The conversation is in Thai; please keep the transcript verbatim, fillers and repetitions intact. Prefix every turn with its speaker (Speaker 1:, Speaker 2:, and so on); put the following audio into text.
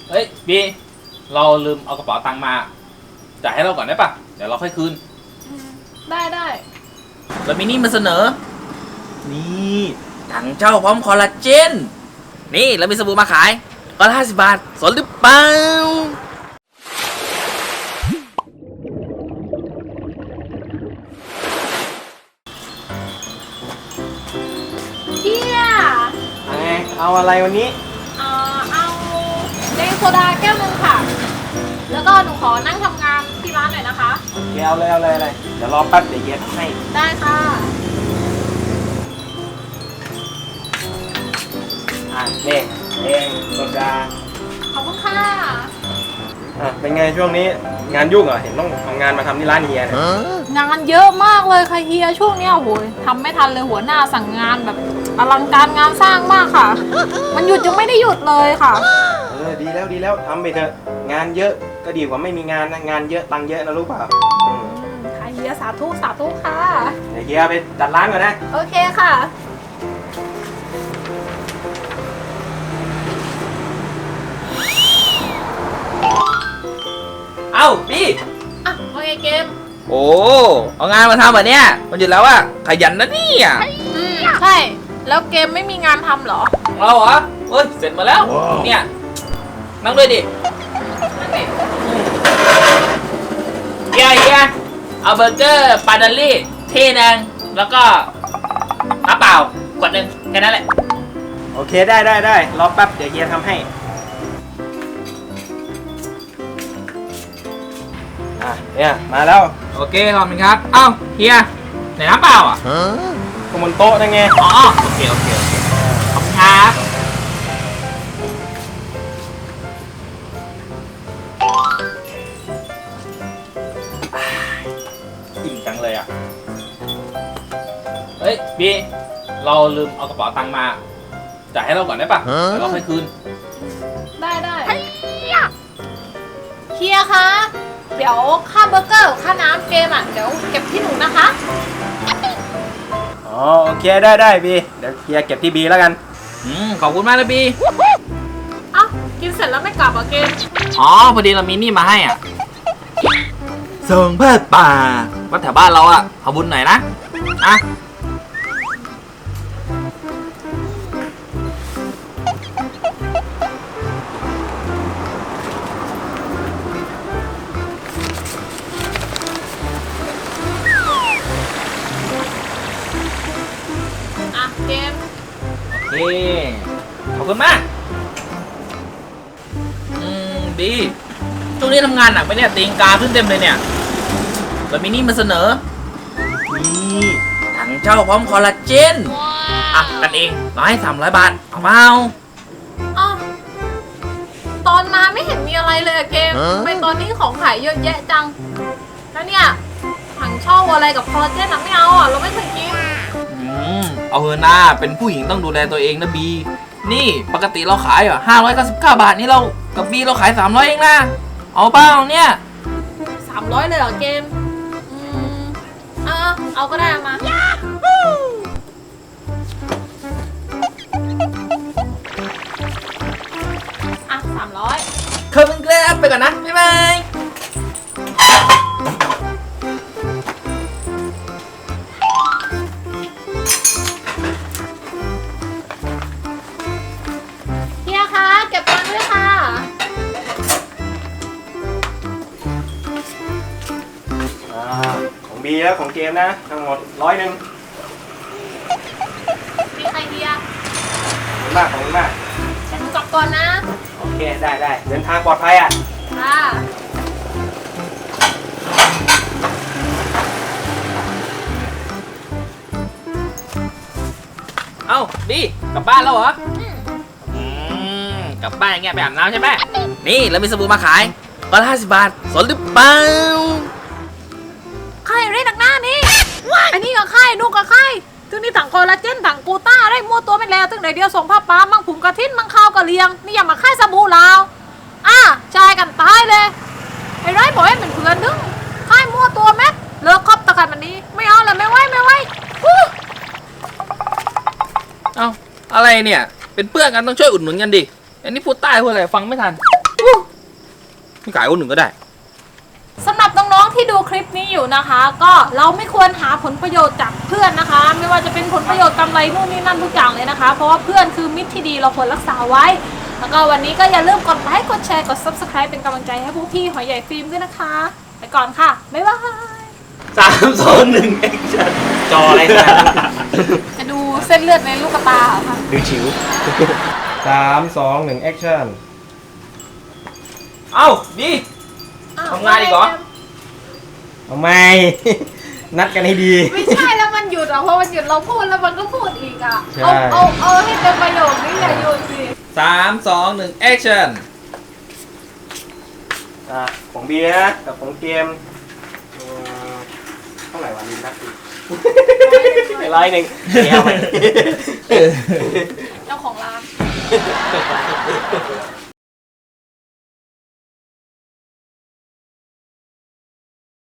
Speaker 1: เฮ้ยบีเราลืมเอากระเป๋าตังค์มาจ่ายให้เราก่อนได้ปะเดี๋ยวเราค่อยคืน
Speaker 2: ได้ได้
Speaker 1: แล้วมินี่มาเสนอนี่ถังเช่าพร้อมคอลลาเจนนี่แล้วมีสบู่มาขายก็ห้าสิบบาทสนหรือเปล่า
Speaker 2: เฮีย
Speaker 3: ไงเอาอะไรวันนี้
Speaker 2: เอ่อเอาเดงโซดาแก้วหนึ่งค่ะแล้วก็หนูขอนั่งทำงานที่ร้านหน่อยนะคะ
Speaker 3: เดี๋ยวเอาเลยเอาเลยเลยเดี๋ยวรอแป๊บเดี๋ยวเย็บให้
Speaker 2: ได้ค่ะ
Speaker 3: อ่ะนี่เองโซดา
Speaker 2: ขอบคุณค่ะ
Speaker 3: อ่ะเป็นไงช่วงนี้งานยุ่งเหรอเห็นต้องทำงานมาทำที่ร้านเฮียเนี่ย
Speaker 2: งานเยอะมากเลยค่ะเฮียช่วงเนี้ยโหยทำไม่ทันเลยหัวหน้าสั่งงานแบบอลังการงานสร้างมากค่ะมันหยุดยังไม่ได้หยุดเลยค่ะ
Speaker 3: เออดีแล้วดีแล้วทำไปเถอะงานเยอะก็ดีกว่าไม่มีงานนะงานเยอะตังค์เยอะนะรู้เปล่า
Speaker 2: ค่ะเฮียสาธุสาธุค่ะ
Speaker 3: เดี๋ยวเฮียไปจัดร้านก่อนนะ
Speaker 2: โอเคค่ะ
Speaker 1: เอ้าพี่
Speaker 2: อ่ะโอเคเกม
Speaker 1: โอ้เอางานมาทำแบบเนี้ยมันหยุดแล้วอะขยันนะเนี่ย
Speaker 2: อืมใช่แล้วเกมไม่มีงานทำเหรอ
Speaker 1: เราเหรอเฮ้ยเสร็จมาแล้วเนี่ยนั่งด้วยดินั่งดิเฮียเฮียเอาเบอร์เกอร์ปาดัลลี่ที่นึงแล้วก็น้ำเปล่าขวดหนึ่งแค่นั้นแหละ
Speaker 3: โอเคได้ได้ได้รอแป๊บเดี๋ยวเฮียทำให้อ่ะเนี่ยมาแล้ว
Speaker 1: โอเคขอบคุณครับเอ้าเฮียไหนน้ำเปล่าอ่ะ
Speaker 3: ก็บนโต๊ะนั่นไง
Speaker 1: อ๋อโอเคโอเคโอเคขอบคุณครับอิ่มจังเลยอ่ะเฮ้ยบีเราลืมเอากระเป๋าตังค์มาจ่ายให้เราก่อนได้ปะเดี๋ยวเราค่อยคืน
Speaker 2: ได้ได้เฮียคะเดี๋ยวค่าเบอร์เกอร์ค่าน้ำเกมอ่ะเดี๋ยวเก็บที่หนูนะคะ
Speaker 3: อ๋อโอเคได้ได้บีเดี๋ยวเฮียเก็บที่บีแล้วกัน
Speaker 1: อืมขอบคุณมากเลยบี
Speaker 2: เอ้ากินเสร็จแล้วไม่กลับอ่ะเกม
Speaker 1: อ๋อพอดีเรามีนี่มาให้อ่ะส่งเพื่อป่าวัดแถวบ้านเราอ่ะขอบุญหน่อยนะอ่ะ
Speaker 2: เกม
Speaker 1: โอเคขอบคุณมากอืมดีช่วงนี้ทำงานหนักไปเนี่ยตีนกาขึ้นเต็มเลยเนี่ยแล้วมินี่มาเสนอนี่ถังเช่าพร้อมคอลลาเจนอ่ะกันเองเราให้สามร้อยบาทเอาเปล่า
Speaker 2: อ้าวตอนมาไม่เห็นมีอะไรเลยอะเกมทำไมตอนนี้ของขายเยอะแยะจังแล้วเนี่ยถังเช่าอะไรกับคอลลาเจนอะไม่เอาอ่ะเราไม่เคยกิน
Speaker 1: เอาเถอะนะเป็นผู้หญิงต้องดูแลตัวเองนะบีนี่ปกติเราขายอ่ะห้าร้อยเก้าสิบเก้าบาทนี่เรากับบีเราขายสามร้อยเองนะเอาเปล่าเนี่ย
Speaker 2: สามร้อยเลยเหรอเกมอืมเออเอาก็ได้มาอ่ะสามร้อย
Speaker 1: ขอบคุณครับไปก่อนนะบ๊ายบาย
Speaker 3: ของบีแล้วของเกมนะทั้งหมดร้อยหนึ่ง
Speaker 2: มีใครเดีย
Speaker 3: ขอบคุณมากขอบคุณมาก
Speaker 2: ฉันกลับก่อนนะ
Speaker 3: โอเคได้ได้เดินทางปลอดภัยอ่ะ
Speaker 2: ค่ะ
Speaker 1: เอ้าบีกลับบ้านแล้วเหรออืมกลับบ้านอย่างเงี้ยไปอาบน้ำใช่ไหมนี่แล้วมีสบู่มาขายก็ห้าสิบบาทสนหรือเปล่า
Speaker 2: ใครเรียกหนักหน้านี่อันนี้กับใครนู่นกับใครถึงนี่ถังคอลลาเจนถังกูต้าได้มัวตัวไม่แล้วถึงไหนเดียวส่งผ้าป้ามั่งผุมกระทิ้นมั่งข้าวกระเลียงนี่อย่ามาค่ายสบู่ลาวอ่ะชายกันตายเลยไอ้ไรบอกให้เหมือนเพื่อนนึงค่ายมัวตัวแม็กเลิกคบตะกันวันนี้ไม่เอาเลยไม่ไหวไม่ไหว
Speaker 1: เอ้าอะไรเนี่ยเป็นเพื่อนกันต้องช่วยอุดหนุนกันดิอันนี้พูดใต้พูดอะไรฟังไม่ทัน
Speaker 2: อ
Speaker 1: พี่ขายคนหนึ่งก็ได้
Speaker 2: สำหรับน้องๆที่ดูคลิปนี้อยู่นะคะ ก็เราไม่ควรหาผลประโยชน์จากเพื่อนนะคะ ไม่ว่าจะเป็นผลประโยชน์กำไรนู่นนี่นั่นทุกอย่างเลยนะคะ เพราะว่าเพื่อนคือมิตรที่ดีเราควรรักษาไว้ แล้วก็วันนี้ก็อย่าลืมกดไลค์กดแชร์กด ซับสไครบ์ เป็นกำลังใจให้พวกพี่หอยใหญ่ฟิล์มด้วยนะคะไปก่อนค่ะบ๊ายบาย
Speaker 3: สามสองหนึ่งแอคชั่นจออะไรนะ
Speaker 2: จะดูเส้นเลือดในลูกตาเหรอค่ะ
Speaker 3: ดูฉิวสามสองหนึ่งแอคชั่น
Speaker 1: เอ้าดี
Speaker 2: อ้ว
Speaker 1: ทำงานอีกเหรอ
Speaker 3: เอาไม่ นัดกันให้ดี
Speaker 2: ไม่ใช่แล้วมันหยุดอ่ะเพราะมันหยุดเราพูดแล้วมันก็พูดอีกอ่ะ
Speaker 3: ใช่
Speaker 2: เอาเอาเอาให้เต็มประโยคนี้อย่าหยุดสิ
Speaker 1: สามสองหนึ่งแอคชั่น
Speaker 3: อ่ะของเบียร์กับของเกมเอ่อเท่าไหร่วะลินนัดอีกร้อยหนึ่งเดียวไป
Speaker 2: เจ้าของร้าน